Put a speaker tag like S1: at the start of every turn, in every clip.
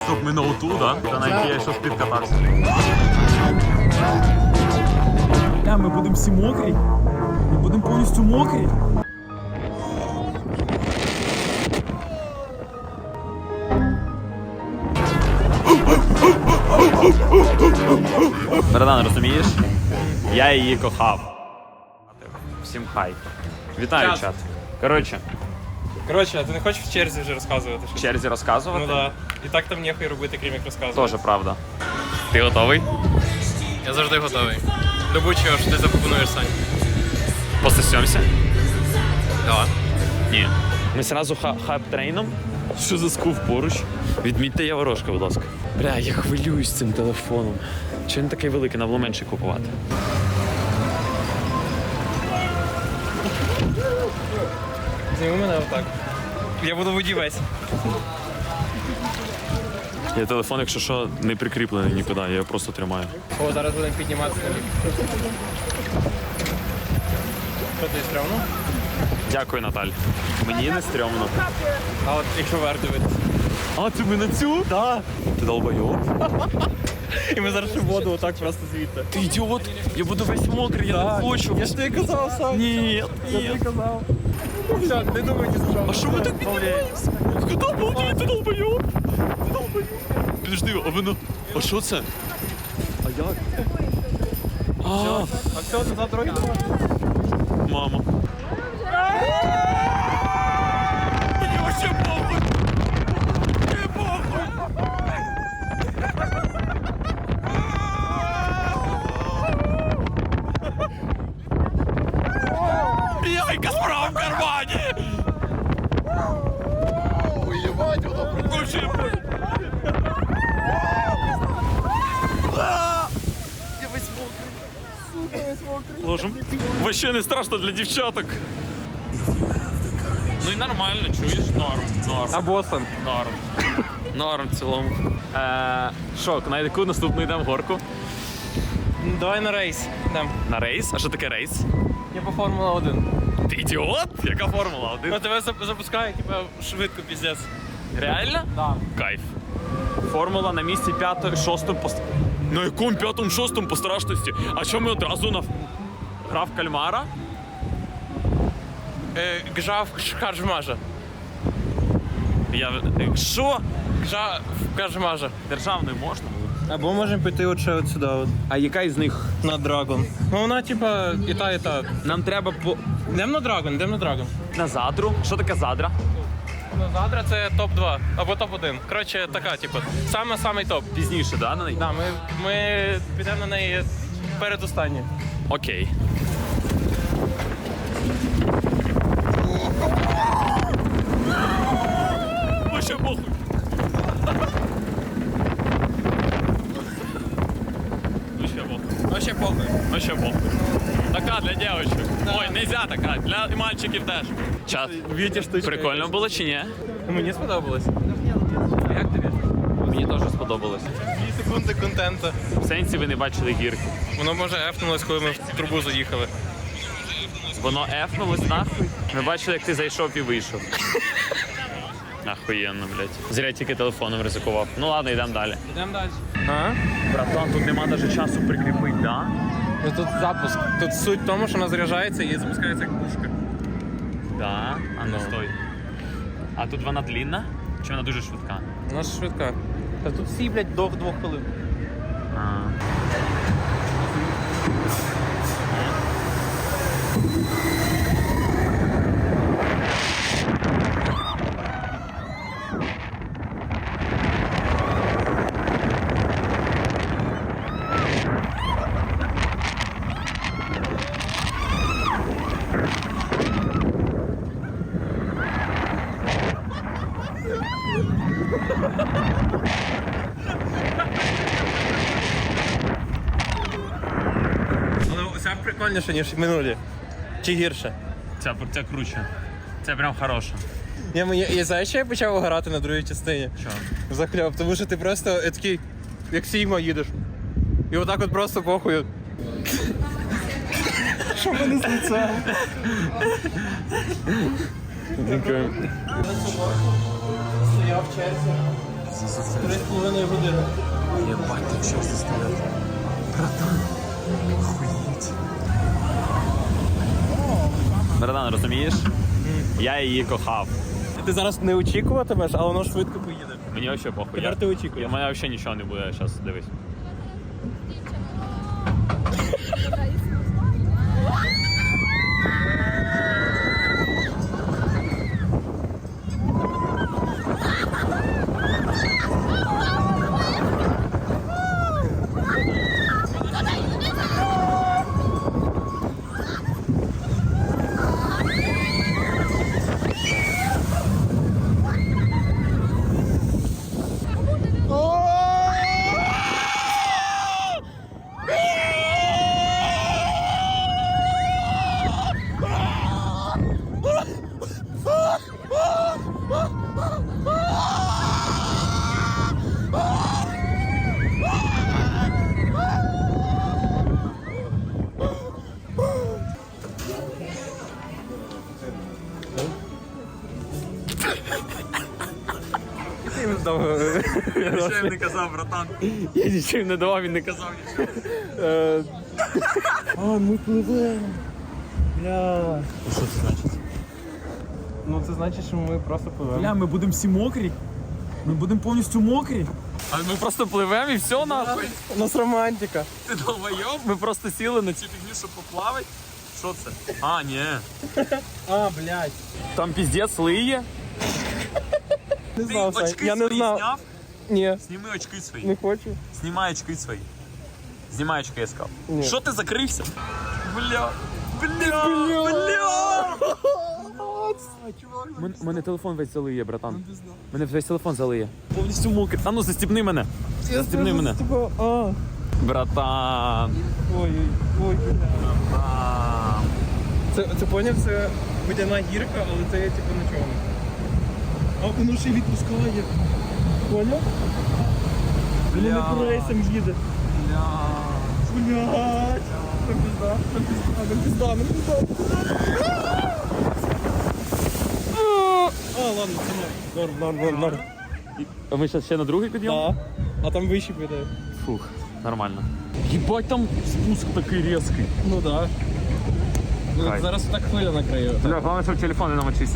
S1: щоб ми на оту, да? Та на якій я щось підкатався.
S2: Ми будемо всі мокрі. Ми будемо повністю мокрі.
S1: Братан, розумієш? Я її кохав. Всім хай. Вітаю, чат. Коротше,
S3: а ти не хочеш в черзі вже розказувати?
S1: в черзі розказувати?
S3: Ну да. І так там ніхуй робити, крім як розказувати.
S1: Тоже правда. Ти готовий?
S3: Я завжди готовий. До будь-чого, що ти запропонуєш, Сань.
S1: Пососемся?
S3: Да.
S1: Ні. Ми сразу хайп-трейном. Що за скуф поруч? Відмітьте Яворошка, будь ласка. Бля, я хвилююсь цим телефоном. Чи він такий великий, треба було менше купувати?
S3: Зніми мене отак. Я буду воді весь.
S1: Я телефон, якщо що, не прикріплений нікуди, я його просто тримаю.
S3: О, зараз будемо підніматися. Що ти, стрьомно?
S1: Дякую, Наталь. Мені не стрьомно.
S3: А от якщо вверх дивитися.
S1: А, ти мене цю? Да. Ти долбойоб?
S3: І ми зараз ще воду отак просто звідти.
S1: Ти ідіот, я буду весь мокрий, я не хочу.
S3: Я ж тобі казав, Сань.
S1: Ні,
S3: Я тобі казав. Все, не думай, ні за що.
S1: А що ви так піднімаєтесь? Куди обалдеть, ти долбойоб? Ти долбойоб. Підожди, а воно... А що це? А як? А,
S3: А все, назад дороги давай.
S1: мама. Мені вообще похуй. Мені похуй. Яйка справа в кармані. Уебать, воно прикольно. Ложим. Вообще не страшно для дівчаток. Ну і нормально, чуєш? Норм.
S3: А Бостон?
S1: Норм. Норм в цілому. Що, на яку наступну йдемо горку?
S3: Давай на рейс. Йдем.
S1: На рейс? А що таке рейс?
S3: Я по Формула 1.
S1: Ти ідіот? Яка формула?
S3: Ну тебе запускає, типа, швидко, піздець.
S1: Реально?
S3: Да.
S1: Кайф. Формула на місці 5-6 по... На якому 5-6 по страшності? А що ми одразу на... Грав кальмара?
S3: Гжав Кажмажа.
S1: Я... Що?
S3: Гжав Кажмажа.
S1: Державною можна?
S3: Або можемо піти от ще от сюди, от,
S1: А яка із них?
S3: на Драгон. Ну вона, типа, і та, і та.
S1: Нам треба по...
S3: Йдемо на Драгон, йдемо на Драгон.
S1: На задру? Що таке задра?
S3: Ну, Задра це топ-2, або топ-1. Коротше, така, типу, самий топ.
S1: Пізніше, да, на неї?
S3: Да, ми підемо на неї передостанні.
S1: Окей. Вообще похуй. Вообще похуй.
S3: Вообще похуй.
S1: Вообще похуй. Така для девочек. Ой, нельзя така, для мальчиків теж. Чат.
S3: Вітя штучка.
S1: Прикольно було чи ні?
S3: Мені сподобалось. Як тобі?
S1: Мені теж сподобалось.
S3: 2 секунди контенту.
S1: В сенсі ви не бачили гірки.
S3: Воно може ефнулось, коли ми в трубу заїхали.
S1: Воно ефнулось нахуй. Ми бачили, як ти зайшов і вийшов. Ахуєнно, блядь. Зря тільки телефоном ризикував. Ну ладно, йдемо далі.
S3: Йдемо далі. А?
S1: Братан, тут нема навіть часу прикріпити, да?
S3: Ну тут запуск. Тут суть в тому, що вона заряджається і запускається як пушка.
S1: Да? А ну стой. А тут вона длінна? Чи вона дуже швидка?
S3: Вона ж швидка. Та тут всі, блядь, до 2 хвилин.
S1: А.
S3: Ну, ця прикольніше, ніж минулі. Чи гірше?
S1: Ця круче. Це прям хороша.
S3: Я знаю, що я почав грати на другій частині.
S1: Що?
S3: Захльоп, тому що ти просто такий, як Сігма їдеш. І отак от просто похуй. Що в мене з лицем? Дякую. Стояв в черзі. 3,5 години.
S1: Єбать, тут часто стоять. Братан, охуєть. Братан, розумієш? Я її кохав.
S3: Ти зараз не очікуватимеш, але воно швидко поїде.
S1: Мені взагалі похуй.
S3: Тепер ти очікуєш.
S1: У мене взагалі нічого не буде, зараз дивись. Нічого не казав, братан. Я нічого не давав, він не казав нічого.
S3: А, ми пливемо. Бля.
S1: Що це значить?
S3: Ну це значить, що ми просто пливемо.
S2: Бля, ми будемо всі мокрі. Ми будемо повністю мокрі.
S1: А ми просто пливемо і все нахуй.
S3: У нас романтика.
S1: Ти долбойоб? Ми просто сіли на цю фігню, щоб поплавати. Що це? А, ні.
S3: А, блядь.
S1: Там піздець лиє.
S3: Не
S1: Ти
S3: знав, Сань.
S1: очки
S3: Я не
S1: свої
S3: знав.
S1: зняв?
S3: Ні,
S1: Зніми очки свої.
S3: не хочу.
S1: Знімай очки свої. Знімай очки, я сказав.
S3: Ні.
S1: Що ти закрився? Бля. Бля. У мене телефон весь залиє, братан. Мене весь телефон залиє. Повністю мокрий. А ну застібни мене. Застібни мене.
S3: А.
S1: Братан.
S3: Ой, ой, бля.
S1: Братан.
S3: Це поняв, це водяна гірка, але це типу на чому. А воно ще й відпускає. Поняв? Воно не по рейсам їде. Блядь. Нам пізда, нам пізда, нам пізда, нам пізда. А, ладно, це норм.
S1: А ми зараз ще на другий підйом?
S3: Да. А там вище піде.
S1: Фух, нормально. Єбать, там спуск такий різкий.
S3: Ну да.
S1: Хай.
S3: Зараз так хвиля накриє.
S1: Бля, головне, щоб телефон не намочився.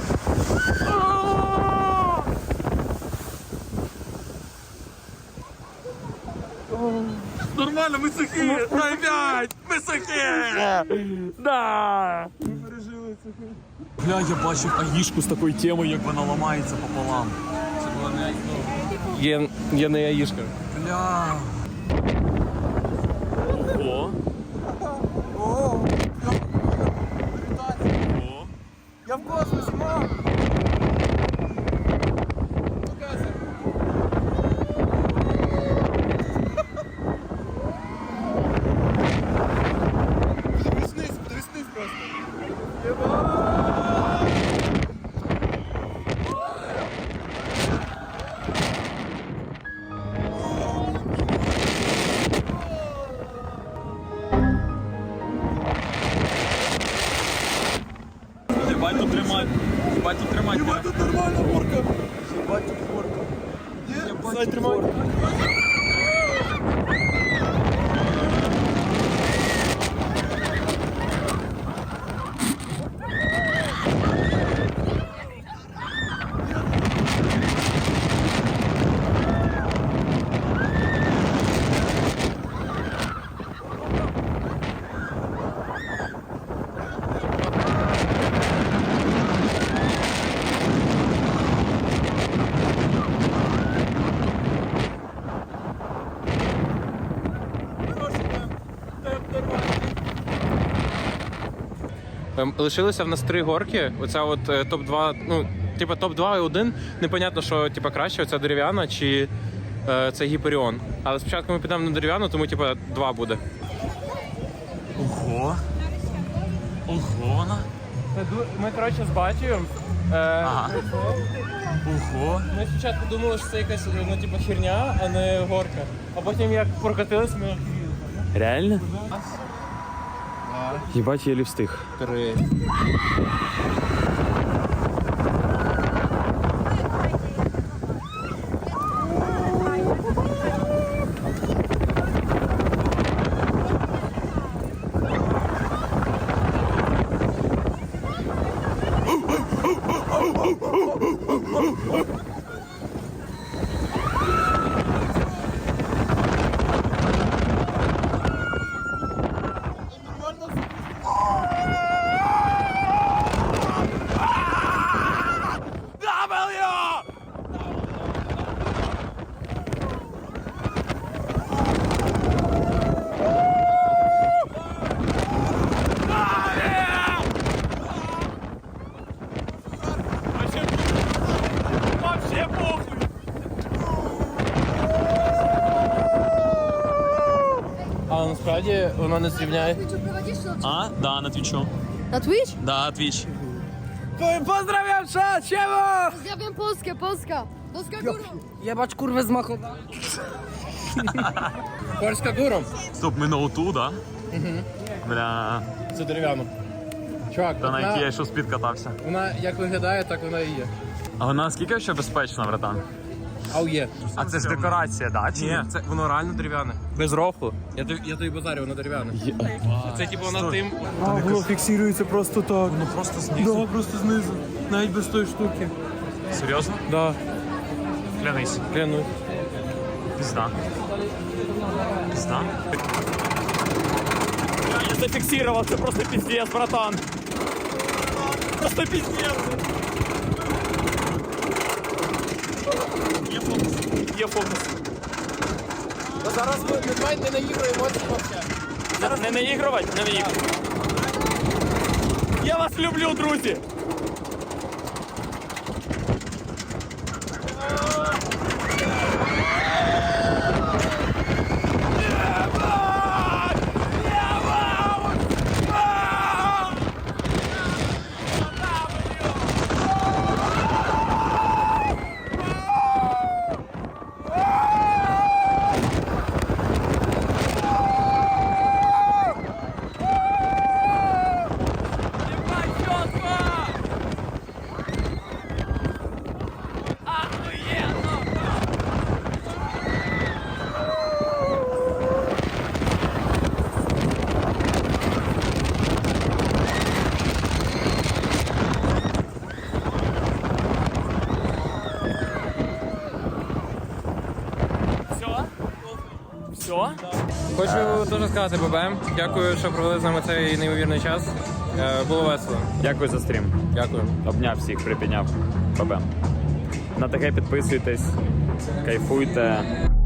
S1: Нормально, ми сухі! Дай п'ять! Ми сухі! Да!
S3: Ми пережили це.
S1: Бля, я бачив аїшку з такою темою, як вона ламається пополам.
S3: Це була не Є не яїшка.
S1: Бля. Ого.
S3: О!
S1: Ого.
S3: Я в космосі, мам! Показуй. Подивись вниз просто.
S1: Ебать тут тримать. Ебать тут тримать.
S3: Єбать, тут нормальна горка. Єбать, тут горка. Є? Сань, тримай. Лишилося в нас 3 горки. Оця от топ-2, ну, типа топ-2 і 1. Непонятно, що типа краще, оця дерев'яна чи це Гіперіон. Але спочатку ми підемо на дерев'яну, тому типа 2 буде.
S1: Ого. Ого.
S3: Ми, коротше, з батьком.
S1: Ага. Ого.
S3: Ми спочатку думали, що це якась ну, типу, херня, а не горка. А потім як прокатились, ми охеріли.
S1: Реально? Єбать, єлі встиг.
S3: 3.
S1: Вообще похуй!
S3: Але насправді воно не зрівняє.
S1: А? Да, на твічу.
S4: Na Twitch?
S1: Да, твіч.
S2: Pozdrawiam, siema!
S4: Pozdrawiam Polskę, Polska! Polska górą!
S2: Jebać kurwę z machu.
S3: Польська гуром.
S1: Стоп, ми на оту, да? Бля,
S3: Це дерев'яно. Чувак,
S1: та на якій я ще спід катався.
S3: вона як виглядає, так вона і є.
S1: А вона скільки ще безпечна, братан?
S3: Ау є.
S1: А це ж декорація, да? Чи
S3: Ні, це воно реально дерев'яне. Без рофлу. Я тобі базарю, воно дерев'яне. Це типу воно тим.
S2: А, воно фіксується просто так. Ну
S1: просто знизу?
S2: Да, просто знизу. Навіть без тої штуки.
S1: Серйозно?
S2: Да,
S1: Клянись.
S3: Клянусь.
S1: Пизда. Пизда? Я зафиксировал, это просто пиздец, братан. Просто пиздец. Є фокус. Є фокус.
S3: Зараз давай не наігруємо взагалі.
S1: Не наігрувати? Не наігрувати. Я вас люблю, друзі. Все?
S3: Хочу дуже сказати ББ. Дякую, що провели з нами цей неймовірний час. Було весело.
S1: Дякую за стрім.
S3: Дякую.
S1: Обняв всіх, припідняв. Бабе. На таке підписуйтесь, кайфуйте.